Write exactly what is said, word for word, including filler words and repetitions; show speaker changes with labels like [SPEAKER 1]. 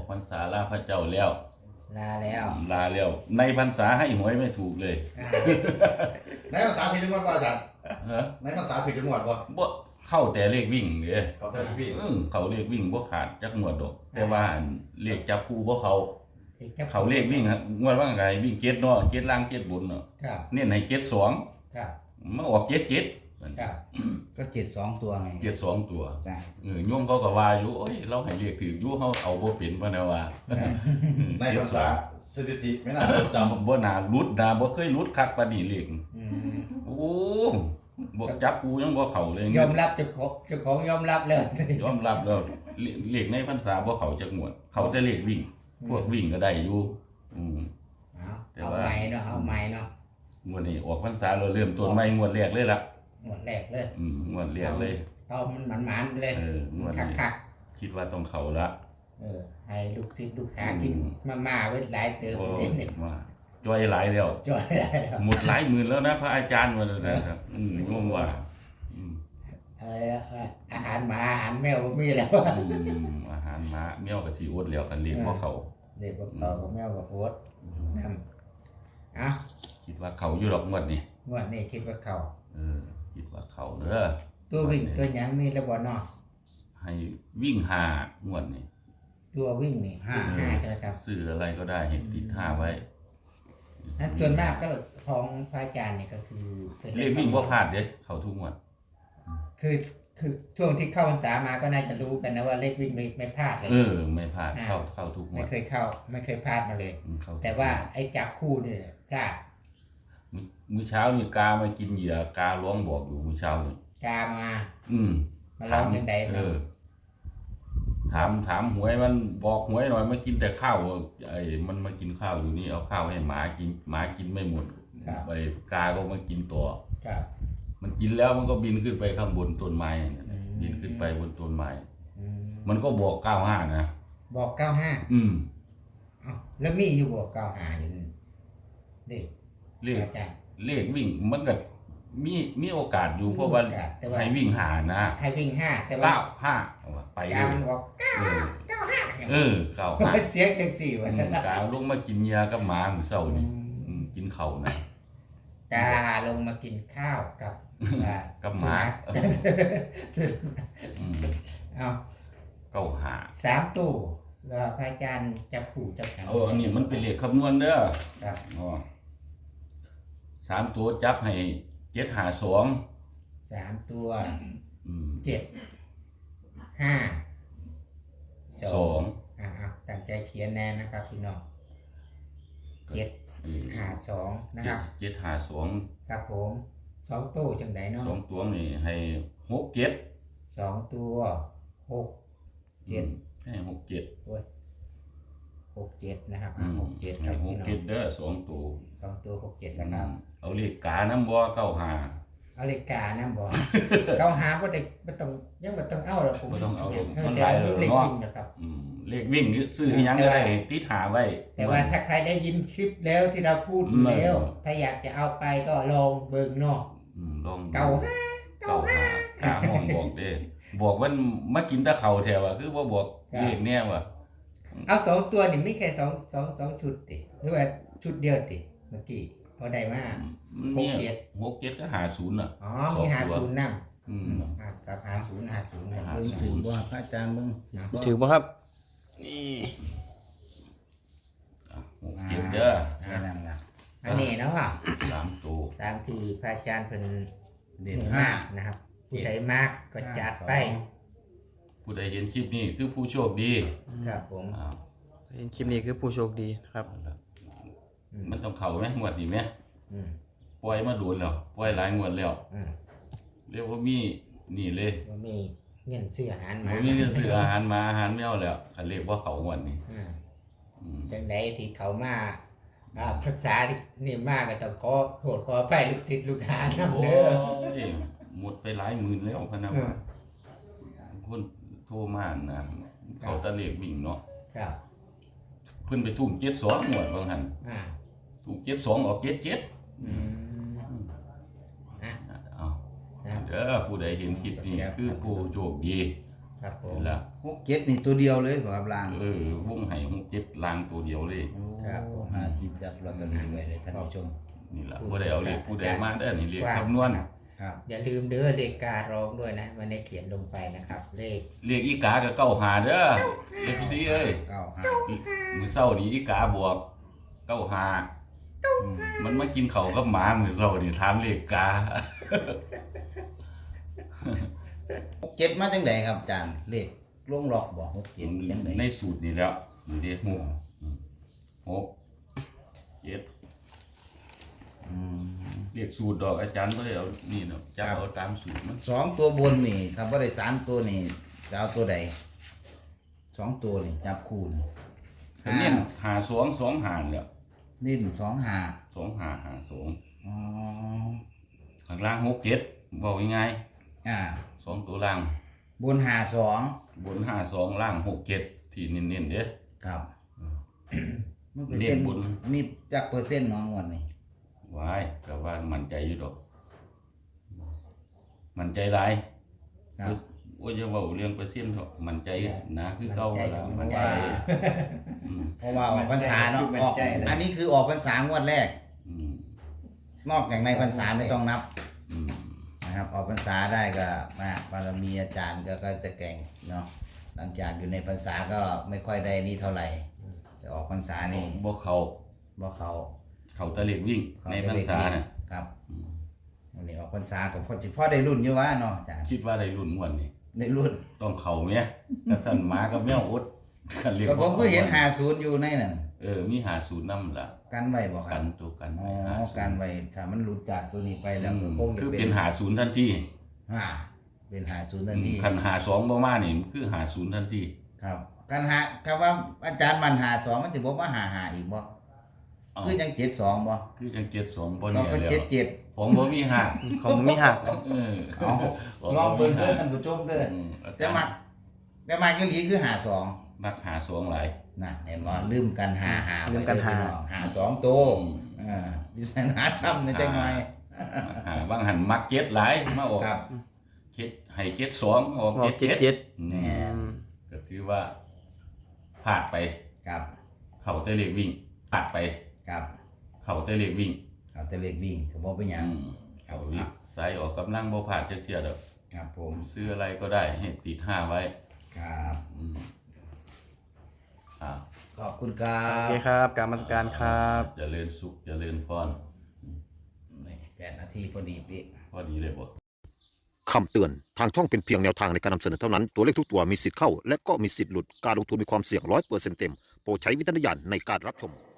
[SPEAKER 1] อกพรรษาลาพระเจ้าแล้ว
[SPEAKER 2] ลาแล้ว
[SPEAKER 1] ลาแล้วในพรรษาให้หวยไม่ถูกเลย
[SPEAKER 3] ในภาษาผิดจังหวัดป่ะอาจารย์
[SPEAKER 1] ฮะ
[SPEAKER 3] ในภาษาผิดจังหวัดป่ะ
[SPEAKER 1] บ่เข้าแต่เลขวิ่งเด้
[SPEAKER 3] เขาแต่เลขวิ่ง
[SPEAKER 1] เออเขาเลขวิ่งบ่ขาดจักงวดดอกแต่ว่าเลขจับคู่บ่เขาเขาเลขวิ่งฮะงวดว่าไงวิ่งเจ็ดเนาะเจ็ดล่างเจ็ดบนเนาะ
[SPEAKER 2] ครับ
[SPEAKER 1] เน้นให้เจ็ดสอง
[SPEAKER 2] ครับ
[SPEAKER 1] มาออกเจ็ดเจ็ด
[SPEAKER 2] ครับก็เจ็ดสองตัวไง
[SPEAKER 1] เจ็ดสองตัวเออโยมเขาก็ว่าอยู่โอ้ยเราให้เลขถืออยู่เฮาเอาบ่เป็นพะนะว่า
[SPEAKER 3] ในภาษาสถิติไม่น่าจำ
[SPEAKER 1] บ่น่าหลุดน่าบ่เคยหลุดคักปานนี้เลขโอ้บ่จับกูยังบ่เข้าเลย
[SPEAKER 2] ยอมรับเจ้าของเจ้าของยอมรับเลย
[SPEAKER 1] ยอมรับแล้วเลขในพรรษาบ่เข้าจักงวดเขาแต่เลขวิ่งพวกวิ่งก็ได้อยู่อืม
[SPEAKER 2] เอาใหม่เนาะเอาใหม่เนาะ
[SPEAKER 1] งวดนี้ออกพรรษาเราเริ่มต้นใหม่งวดแรกเลยล่ะ
[SPEAKER 2] งวดแรกเลย
[SPEAKER 1] อืมงวดแรกเลย
[SPEAKER 2] เอามันหมานๆเลย
[SPEAKER 1] เอองวดนี้คิดว่าต้องเข้าละ
[SPEAKER 2] เออให้ลูกศิษย์ลูกหากินมาๆไว้หลายเติม
[SPEAKER 1] นิดๆว่าจอยหลายแล้ว
[SPEAKER 2] จอยหลายแล้ว
[SPEAKER 1] หมดหลายหมื่นแล้วนะพระอาจารย์ว่านะครับอืมงงว่าอืม
[SPEAKER 2] อะไรอาหารหมาอาหารแมวบ่มีแล้ว
[SPEAKER 1] อืมอาหารหมาแมวก็สิอดแล้วกันเลี้ยงบ่เข้า
[SPEAKER 2] เด็กบ่เข้ากับแมวก็อดนำอ่ะ
[SPEAKER 1] คิดว่าเขาอยู่ดอกงวดนี้
[SPEAKER 2] งวดนี้คิดว่าเข้า
[SPEAKER 1] เออคิดว่าเขาเด้อ
[SPEAKER 2] ตัววิ่งตัวหยังมีแล้วบ่เนาะ
[SPEAKER 1] ให้วิ่งห้างวดนี้
[SPEAKER 2] ตัววิ่งนี่ห้าห้าใช่มั้ยครับ
[SPEAKER 1] ซื้ออะไรก็ได้ให้ติดห้าไว้
[SPEAKER 2] นั่นส่วนมากก็ของพระอาจารย์นี่ก็คือ
[SPEAKER 1] เลขวิ่งบ่พลาดเด้เข้าทุกงวด
[SPEAKER 2] คือคือช่วงที่เข้าพรรษามาก็น่าจะรู้กันนะว่าเลขวิ่งไม่ไม่พลาดเลย
[SPEAKER 1] เออไม่พลาดเข้าเข้าทุกงวด
[SPEAKER 2] ไม่เคยเข้าไม่เคยพลาดมาเลยแต่ว่าไอ้จับคู่นี่พลาด
[SPEAKER 1] มื้อเช้านี่กามากินเหยื่อการ้องบอกอยู่มื้อเช้านี่
[SPEAKER 2] กามา
[SPEAKER 1] อืม
[SPEAKER 2] มาร้องจังได๋
[SPEAKER 1] เออถามถามหวยมันบอกหวยหน่อยมากินแต่ข้าวไอ้มันมากินข้าวอยู่นี่เอาข้าวให้หมากินหมากินไม่หมดไปกาก็มากินตัว
[SPEAKER 2] ครับ
[SPEAKER 1] มันกินแล้วมันก็บินขึ้นไปข้างบนต้นไม้บินขึ้นไปบนต้นไม้มันก็บอกเก้าห้านะ
[SPEAKER 2] บอกเก้าห้า
[SPEAKER 1] อืม
[SPEAKER 2] อ้าวแล้วมีอยู่บอกเก้าห้าอยู่เลข
[SPEAKER 1] เลขเลขวิ่งมันก็มีมีโอกาสอยู่เพราะว่าให้วิ่งหานะ
[SPEAKER 2] ให้วิ่งห้าแต่ว่า
[SPEAKER 1] เก้าห้าไป
[SPEAKER 2] เลยกามันบอกเก้าเก้าห้า
[SPEAKER 1] เออเก้าห้า
[SPEAKER 2] เสียงจังสี่ว่ะ
[SPEAKER 1] กาลงมากินยากับหมามื้อเช้านี่กินข้าวนะ
[SPEAKER 2] กาลงมากินข้าวกับ
[SPEAKER 1] กับหมา
[SPEAKER 2] เอา
[SPEAKER 1] เก้าห้า
[SPEAKER 2] สามตู้แล้วพระอาจารย์จับคู่จับกัน
[SPEAKER 1] เอออันนี้มันเป็นเลขคำนวณเด้อ
[SPEAKER 2] ครับ
[SPEAKER 1] อ๋อสามตัวจับให้เจ็ดห้าสอง
[SPEAKER 2] สามตัวเจ็ดห้าสองอ่าตั้งใจเขียนแน่นะครับพี่น้องเจ็ดห้าสองนะครับ
[SPEAKER 1] เจ็ดห้าสอง
[SPEAKER 2] ครับผมสองตู้จังไดเนาะ
[SPEAKER 1] สองตัวนี่ให้หกเจ็ด
[SPEAKER 2] สองตัวหกเจ็ด
[SPEAKER 1] ให้หกเจ็ด
[SPEAKER 2] โอ้ยหกเจ็ดนะครับอ่าหกเจ็ดครับ
[SPEAKER 1] หกเจ็ดเด้อสองตัว
[SPEAKER 2] สองตัวหกเจ็ดนะครับ
[SPEAKER 1] เอาเลขกาน้ำบ่เก้าห้า
[SPEAKER 2] เอาเลขกาน้ำบ่เก้าห้าบ่ได้บ่ต้องยังบ่ต้องเอาหรอกผม
[SPEAKER 1] บ่ต้องเอามันหลายเลยเนาะ
[SPEAKER 2] นะครับ
[SPEAKER 1] อืมเลขวิ่งซื้อให้ยังก็ได้ติดหาไว้
[SPEAKER 2] แต่ว่าถ้าใครได้ยินคลิปแล้วที่เราพูดแล้วถ้าอยากจะเอาไปก็ลองเบิ่งเนาะ
[SPEAKER 1] อืมลอง
[SPEAKER 2] เก้าห้าเก้าห้าก
[SPEAKER 1] าห้องบอกเด้บอกว่ามากินตะเข่าแถวอ่ะคือบ่บอกเลขแน่ว่ะ
[SPEAKER 2] เอาสองตัวนี่มีแค่สอง สอง สองชุดติหรือว่าชุดเดียวติเมื่อกี้พอได้มา
[SPEAKER 1] หกเจ็ด หกเจ็ดก็ห้าสิบน่ะ
[SPEAKER 2] อ๋อมีห้าสิบนำอืมกับห้าสิบ ห้าสิบเบิ่งถือบ่พระอาจารย์เบิ่ง
[SPEAKER 1] ถือบ่ครับนี่หกเจ็ดเด้อ
[SPEAKER 2] นั่นล่ะอันนี้เนาะ
[SPEAKER 1] สามตัว
[SPEAKER 2] ตามที่พระอาจารย์เพิ่นเด่นมากนะครับผู้ใดมากก็จัดไป
[SPEAKER 1] ผู้ใดเห็นคลิปนี้คือผู้โชคดี
[SPEAKER 2] ครับผม
[SPEAKER 4] เห็นคลิปนี้คือผู้โชคดีครับ
[SPEAKER 1] มันต้องเข้าไหมงวดนี้ไหมปล่อยมาโดนแล้วปล่อยหลายงวดแล้วเรียกว่ามีนี่เลย
[SPEAKER 2] ว่ามีเงินซื้ออาหารมา
[SPEAKER 1] มีเงินซื้ออาหารมาอาหารแมวแล้วเขาเรียกว่าเขางวดนี้
[SPEAKER 2] จังไดที่เขามาภาษานี่มากก็ต้องขอโทษขอไปลูกศิษย์ลูกหานํเด้อ
[SPEAKER 1] หมดไปหลายหมื่นแล้วพะนะคนโทรมานะเขาตะเลกบิ่งเนาะ
[SPEAKER 2] ครับ
[SPEAKER 1] เพิ่นไปทุ่มเจ็ดสองหมดบางหันถูกเจ็ดสองออกเจ็ดเจ็ดเด้อผู้ใดเห็นคลิปนี้คือผู้โชคดี
[SPEAKER 2] ครับผม
[SPEAKER 1] นี่ละ
[SPEAKER 3] หกเจ็ดนี่ตัวเดียวเลยบ่ครับล่าง
[SPEAKER 1] เออวงไห้หกเจ็ดลางตัวเดียวเลย
[SPEAKER 2] ครับผม
[SPEAKER 3] หาหยิบจับลอตเตอรี่ไว้เลยท่านผู้ชม
[SPEAKER 1] นี่ละบ่ได้เอาเลขผู้ใดมาเด้อนี่เลขคำนวณ
[SPEAKER 3] ครับ
[SPEAKER 2] อย่าลืมเด้อเลขการองด้วยนะมันได้เขียนลงไปนะครับ เลข
[SPEAKER 1] เลขอีกาก็เก้าหาเด้อ เอฟ ซี เอ้ย
[SPEAKER 3] เก้าห้า
[SPEAKER 1] มื้อเช้านี้อีกาบวกเก้าหามันมากินข้าวกับหมามื้อเช้านี่ถามเลขกา
[SPEAKER 3] หกเจ็ดมาจังไดครับอาจารย์เลขลงล็อกบ่หกเจ็ดจังได
[SPEAKER 1] ในสูตรนี่แล้วนี่เด้หกหกเจ็ด
[SPEAKER 3] อืม
[SPEAKER 1] เรียกสูตรดอกอาจารย์บ่ได้เอานี่เนาะจับเอาตามสูตรมัน
[SPEAKER 3] สองตัวบนนี่ครับบ่ได้สามตัวนี่จะเอาตัวใดสองตัวนี่จับคูณ
[SPEAKER 1] ก็เน้นหาสองสองหาแล้ว
[SPEAKER 3] นิ่นสองห้า
[SPEAKER 1] สองหาหาสอง
[SPEAKER 3] อ๋อ
[SPEAKER 1] ข้างล่างหกเจ็ดบอกยังไง
[SPEAKER 3] อ่า
[SPEAKER 1] สองตัวล่าง
[SPEAKER 3] บนห้าสอง
[SPEAKER 1] บนห้าสองล่างหกเจ็ดที่เน้นๆเด้อ
[SPEAKER 3] ครับมันเปอร์
[SPEAKER 1] เรี
[SPEAKER 3] เซ็
[SPEAKER 1] ย
[SPEAKER 3] น
[SPEAKER 1] ก
[SPEAKER 3] ต์
[SPEAKER 1] บุญ
[SPEAKER 3] มีจักเปอร์เซ็นต์เน้องวันนี้
[SPEAKER 1] ไว้ก็ว่ามั่นใจอยู่ดอกมั่นใจหลาย
[SPEAKER 3] ครับ
[SPEAKER 1] โอ้ยอย่าเว้าเรื่องเปอร์เซ็นต์เถอะมั่นใจนะคือเก่าแล้ว
[SPEAKER 3] เพ
[SPEAKER 1] มั่น
[SPEAKER 3] ราะ
[SPEAKER 1] ใจ
[SPEAKER 3] ว่า
[SPEAKER 1] อืม
[SPEAKER 3] เพราะว่าออกพรรษาเนาะออกอันนี้คือออกพรรษางวดแรก
[SPEAKER 1] อืม
[SPEAKER 3] นอกจากในพรรษาไม่ต้องนับ
[SPEAKER 1] อืม
[SPEAKER 3] นะครับออกพรรษาได้ก็มาบารมีอาจารย์ก็ก็จะแก่งเนาะหลังจากอยู่ในพรรษาก็ไม่ค่อยได้นี่เท่าไหร่แต่ออกพรรษานี่
[SPEAKER 1] บ่เข้า
[SPEAKER 3] บ่เขา
[SPEAKER 1] เข้าแตะเล็กวิ่ง
[SPEAKER 3] เขา
[SPEAKER 1] ใน
[SPEAKER 3] จะ
[SPEAKER 1] พรร
[SPEAKER 3] เล็ก
[SPEAKER 1] ษา
[SPEAKER 3] นี่
[SPEAKER 1] น่ะ
[SPEAKER 3] ครับวันนี้ออกพรรษาก็พอจิพ่อได้รุ่นอยู่วะเนาะอาจารย์
[SPEAKER 1] คิดว่าได้รุ่นม่วนนี่
[SPEAKER 3] ได้รุ่น
[SPEAKER 1] ต้องเข้าแม่กระสั่นหมากับแมวอดกันเรียก
[SPEAKER 3] ก็ผมก็เห็นหาศูนย์อยู่ในนั่น
[SPEAKER 1] เออมีหาศูนย์นำล่ะ
[SPEAKER 3] กันไว้บ่ค
[SPEAKER 1] กั
[SPEAKER 3] รับ
[SPEAKER 1] นตัวกัน
[SPEAKER 3] อ๋อ
[SPEAKER 1] ไว้หาศูนย์
[SPEAKER 3] กันไว้ถ้ามันหลุดจากตัวนี้ไปแล้วก็คงจะ
[SPEAKER 1] คือ
[SPEAKER 3] เป็
[SPEAKER 1] เป็น นหาศูนย์ทันที
[SPEAKER 3] อ่าเป็นหาศูนย์ทันที
[SPEAKER 1] คันหาสองบ่มานี่มันคือหาศูนย์ทันที
[SPEAKER 3] ครับการหาคำว่าอาจารย์มันหาสองมันจะบอกว่าหาหาอีกบ่
[SPEAKER 1] เอ้า
[SPEAKER 3] คือยังเจ็ดสองบ่
[SPEAKER 1] คือจังเจ็ดสองบ่
[SPEAKER 3] เรา
[SPEAKER 1] เนี่ย
[SPEAKER 3] ก็
[SPEAKER 1] แล้
[SPEAKER 3] เจ็ด
[SPEAKER 1] ว
[SPEAKER 3] เจ็ด
[SPEAKER 1] ผมบ่มีหา
[SPEAKER 4] ของมีหัก
[SPEAKER 1] เออ
[SPEAKER 3] เอาลองเบิ่งเด้อท่านผู้ชมเด้อ
[SPEAKER 1] อืม
[SPEAKER 3] แต่มาแต่มาอีหลีคือหาสอง
[SPEAKER 1] มักหาสองหลาย
[SPEAKER 3] นะเห็นบ่ลืมกันหาหา
[SPEAKER 4] ลืมกันหา
[SPEAKER 3] ไว้เด้อพี่น้องหาสองตัว
[SPEAKER 1] อืม
[SPEAKER 3] อ่าดิฉันหาทำในจังหน่อย
[SPEAKER 1] มักหาบางหันมักเจ็ดหลายมาออก
[SPEAKER 3] ครับ
[SPEAKER 1] เจ็ดให้เจ็ดสองออก
[SPEAKER 4] ออ
[SPEAKER 1] เจ็
[SPEAKER 4] ก
[SPEAKER 1] ด
[SPEAKER 4] เจ็ด
[SPEAKER 1] เจ็ด
[SPEAKER 4] เจ็ด
[SPEAKER 1] อืม
[SPEAKER 3] แน่
[SPEAKER 1] ก็ถือว่าพลาดไป
[SPEAKER 3] ครับ
[SPEAKER 1] เข้าแต่เลขวิ่งพลาดไป
[SPEAKER 3] ครับ
[SPEAKER 1] เข้าแต่เลขวิ่ง
[SPEAKER 3] เอาแต่เล็กวิ่งก็บ่เป็นหยัง
[SPEAKER 1] อืมเอาลิใส่ออกกำลังบ่ผ่านจักเที่ยดอก
[SPEAKER 3] ครับผม
[SPEAKER 1] ซื้ออะไรก็ได้ให้ติดห้าไว้
[SPEAKER 3] ครับ
[SPEAKER 1] อืมอ่า
[SPEAKER 3] ขอบคุณครั
[SPEAKER 4] โอบ เคครับกรรมการครับ
[SPEAKER 1] เจริญสุขเจริญพร
[SPEAKER 3] นี่แปดนาทีพอดีพี่
[SPEAKER 1] พอดีเลยบ่
[SPEAKER 5] คำเตือน ทางช่องเป็นเพียงแนวทางในการนำเสนอเท่านั้น ตัวเลขทุกตัวมีสิทธิ์เข้า และก็มีสิทธิ์หลุด การลงทุนมีความเสี่ยงร้อยเปอร์เซ็นต์เต็ม โปรดใช้วิจารณญาณในการรับชม